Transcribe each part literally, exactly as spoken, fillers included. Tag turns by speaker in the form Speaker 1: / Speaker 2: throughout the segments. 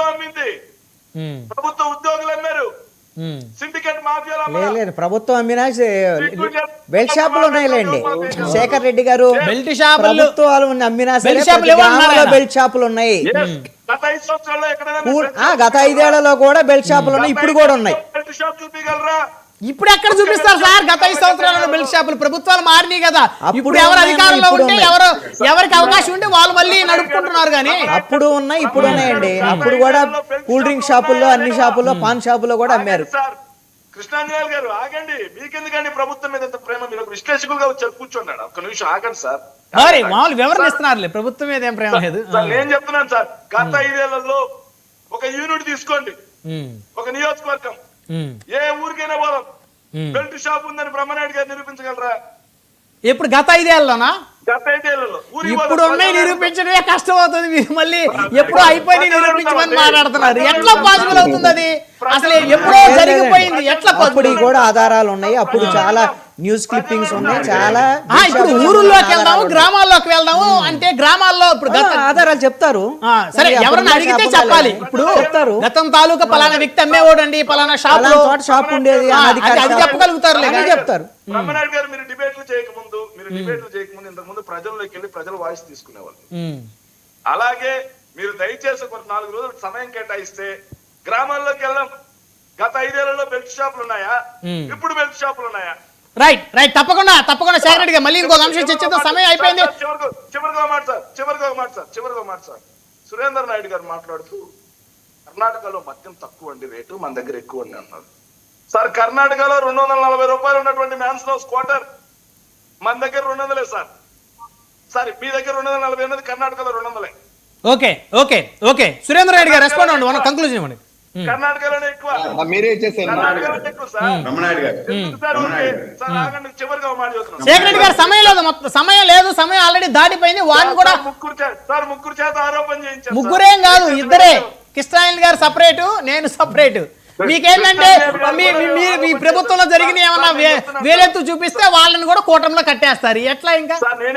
Speaker 1: అమ్మింది, ప్రభుత్వ ఉద్యోగులు అమ్మారు, సిండికేట్ మాఫియాలు
Speaker 2: లేదు ప్రభుత్వం అమ్మినా బెల్ట్ షాపులు ఉన్నాయిలేండి శేఖర్ రెడ్డి గారు.
Speaker 3: బెల్ట్ షాపులు
Speaker 2: ప్రభుత్వాలు అమ్మినా సరే బెల్ట్ షాపులు ఉన్నాయి.
Speaker 1: గత ఐదు సంవత్సరాల్లో ఎక్కడైనా
Speaker 2: గత ఐదేళ్లలో కూడా బెల్ట్ షాపులు ఉన్నాయి, ఇప్పుడు కూడా ఉన్నాయి.
Speaker 1: బెల్ట్ షాప్ చూపించగలరా?
Speaker 3: ఇప్పుడు ఎక్కడ చూపిస్తారు సార్? గత ఐదు సంవత్సరాలలో బెల్ట్ షాపులు ప్రభుత్వాలు మారినాయి కదా. ఇప్పుడు ఎవరు అధికారంలో ఉంటే ఎవరు ఎవరికి అవకాశం ఉంటే వాళ్ళు మళ్ళీ నడుపుకుంటున్నారు. కానీ
Speaker 2: అప్పుడు ఉన్నాయి ఇప్పుడు ఉన్నాయండి. అప్పుడు కూడా కూల్ డ్రింక్ షాపుల్లో అన్ని షాపుల్లో పాన్ షాపుల్లో కూడా అమ్మారు.
Speaker 1: సార్ కృష్ణాంజనేయులు గారు ఆగండి, మీకెందుకండి ప్రభుత్వం మీద ప్రేమ? మీరు విశ్లేషకులుగా వచ్చారు, కూర్చోండి ఒక్క నిమిషం ఆగండి సార్.
Speaker 3: మామూలు వివరణ ఇస్తున్నారు, ప్రభుత్వం మీద ఏం ప్రేమ లేదు.
Speaker 1: నేను చెప్తున్నాను సార్, గత ఐదేళ్లలో ఒక యూనిట్ తీసుకోండి, ఒక నియోజకవర్గం, ఏ ఊరికైనా పోదాం, బెల్ట్ షాప్ ఉందని బ్రహ్మనాయుడు గారు నిరూపించగలరా?
Speaker 3: ఇప్పుడు గత ఐదేళ్లలోనా?
Speaker 1: గత ఐదేళ్లలో
Speaker 3: ఇప్పుడు ఉన్నాయి నిరూపించడమే కష్టం అవుతుంది. మీరు మళ్ళీ ఎప్పుడో అయిపోయి నిరూపించమని మాట్లాడుతున్నారు. ఎట్లా పాసిబుల్ అవుతుంది? అది అసలు ఎప్పుడో జరిగిపోయింది. ఎట్లా
Speaker 2: అప్పుడు కూడా ఆధారాలు ఉన్నాయి, అప్పుడు చాలా న్యూస్ క్లిప్పింగ్స్ ఉన్నాయి, చాలా.
Speaker 3: ఇప్పుడు ఊరుల్లోకి వెళ్దాము, గ్రామాల్లోకి వెళ్దాము అంటే గ్రామాల్లో ఇప్పుడు
Speaker 2: ఆధారాలు చెప్తారు.
Speaker 3: సరే ఎవరైనా అడిగితే చెప్పాలి. ఇప్పుడు చెప్తారు గతం తాలూకా పలానా వ్యక్తి అమ్మేవాడు అండి, పలానా షాప్ చోట షాప్ ఉండేది, అది చెప్పగలుగుతారు, చెప్తారు.
Speaker 1: బ్రహ్మనాయుడు గారు మీరు డిబేట్లు చేయకముందు మీరు డిబేట్లు చేయకముందు ఇంతకు ముందు ప్రజల్లోకి వెళ్ళి ప్రజల వాయిస్ తీసుకునేవాళ్ళు. అలాగే మీరు దయచేసి ఒక నాలుగు రోజులు సమయం కేటాయిస్తే గ్రామాల్లోకి వెళ్దాం. గత ఐదేళ్లలో బెల్ట్ షాపులు ఉన్నాయా? ఇప్పుడు బెల్ట్ షాపులు ఉన్నాయా?
Speaker 3: రైట్ రైట్ తప్పకుండా తప్పకుండా శేఖర్ రెడ్డి గారు మళ్ళీ ఇంకొక అంశం చర్చిద్దాం, సమయం అయిపోయింది.
Speaker 1: చివరిగా మాట సార్ చివరిగా మాట సార్ చివరిగా మాట సార్ సురేందర్ నాయుడు గారు మాట్లాడుతూ కర్ణాటకలో మద్యం తక్కువ అండి రేటు, మన దగ్గర ఎక్కువ అండి అన్నారు. సార్ కర్ణాటకలో రెండు వందల నలభై రూపాయలు ఉన్నటువంటి మ్యాన్స్ హౌస్ క్వార్టర్ మన దగ్గర రెండు వందలే సార్. సార్ మీ దగ్గర రెండు వందల నలభై ఉన్నది, కర్ణాటకలో రెండు వందలే.
Speaker 3: Okay okay okay Surender Naidu garu respond అవ్వండి, మన కంక్లూజన్ ఇవ్వండి.
Speaker 1: కర్ణాటకలోనే ఎక్కువ,
Speaker 3: శేఖర్ రెడ్డి గారు సమయం లేదు, మొత్తం సమయం లేదు, సమయం ఆల్రెడీ దాటిపోయింది. వారిని కూడా
Speaker 1: ముగ్గురు సార్ ముగ్గురు చేత ఆరోపణ చేయించారు.
Speaker 3: ముగ్గురేం కాదు, ఇద్దరే. కృష్ణాయన్ గారు సపరేటు, నేను సపరేటు. మీకేంటంటే మీ ప్రభుత్వంలో జరిగిన ఏమన్నా వేలెత్తు చూపిస్తే వాళ్ళని కూడా కూటమిలో కట్టేస్తారు. ఎట్లా ఇంకా?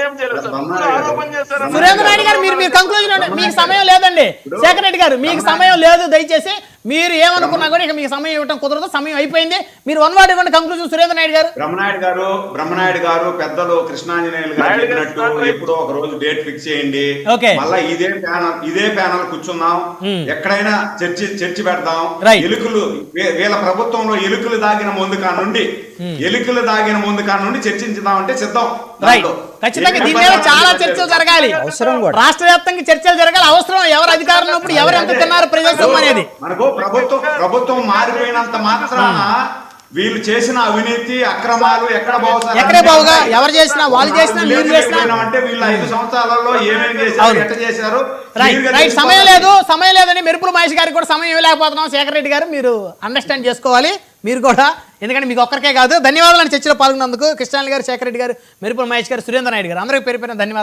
Speaker 3: సురేంద్ర నాయుడు గారు మీరు మీరు కంక్లూజన్, మీకు సమయం లేదండి. శేఖర్ రెడ్డి గారు మీకు సమయం లేదు, దయచేసి మీరు ఏమనుకున్నా కూడా ఇక మీకు సమయం ఇవ్వడం కుదరదు, సమయం అయిపోయింది. మీరు వన్ వర్డ్ ఇవ్వండి కంక్లూజన్. సురేంద్ర నాయుడు గారు.
Speaker 4: బ్రహ్మనాయుడు గారు బ్రహ్మనాయుడు గారు పెద్దలు కృష్ణాంజనేయులు గారు చెప్పినట్టు ఎప్పుడో ఒక రోజు డేట్ ఫిక్స్ చేయండి, మళ్ళా ఇదే ప్యానల్ ఇదే ప్యానల్ కూర్చుందాం, ఎక్కడైనా చర్చి చర్చి పెడదాం. ఎలుకలు వీళ్ళ ప్రభుత్వంలో ఎలుకలు దాగిన ముందు కా నుండి ఎలుకలు దాగిన ముందు కా నుండి చర్చించుదాం అంటే సిద్ధం.
Speaker 3: ఖచ్చితంగా దీని మీద చాలా చర్చలు జరగాలి, అవసరం కూడా రాష్ట్ర వ్యాప్తంగా చర్చలు జరగాలి. అవసరం ఎవరు అధికారంలో ఉన్నప్పుడు ఎవరు ఎంత తిన్నారు ప్రజాస్వామ్యం అనేది.
Speaker 4: మనకు ప్రభుత్వం ప్రభుత్వం మారిపోయినంత మాత్రాన వీళ్ళు చేసిన అవినీతి అక్రమాలు ఎక్కడ
Speaker 3: ఎక్కడే బావుగా ఎవరు చేసినా వాళ్ళు చేసినా మీరు చేసినా
Speaker 4: అంటే వీళ్ళు ఐదు సంవత్సరాలలో ఏమేమి చేశారు, ఎట్లా చేశారు.
Speaker 3: రైట్ సమయం లేదు, సమయం లేదని మెరుపుల మహేష్ గారికి కూడా సమయం ఇవ్వలేకపోతున్నాం. శేఖర్ రెడ్డి గారు మీరు అండర్స్టాండ్ చేసుకోవాలి మీరు కూడా, ఎందుకంటే మీకు ఒక్కరికే కాదు. ధన్యవాదాలు చర్చలో పాల్గొన్నందుకు కృష్ణాయన్ గారు, శేఖర్ రెడ్డి గారు, మెరుపుల మహేష్ గారు, సురేంద్ర నాయుడు గారు అందరికీ పేరు పేరున ధన్యవాదాలు.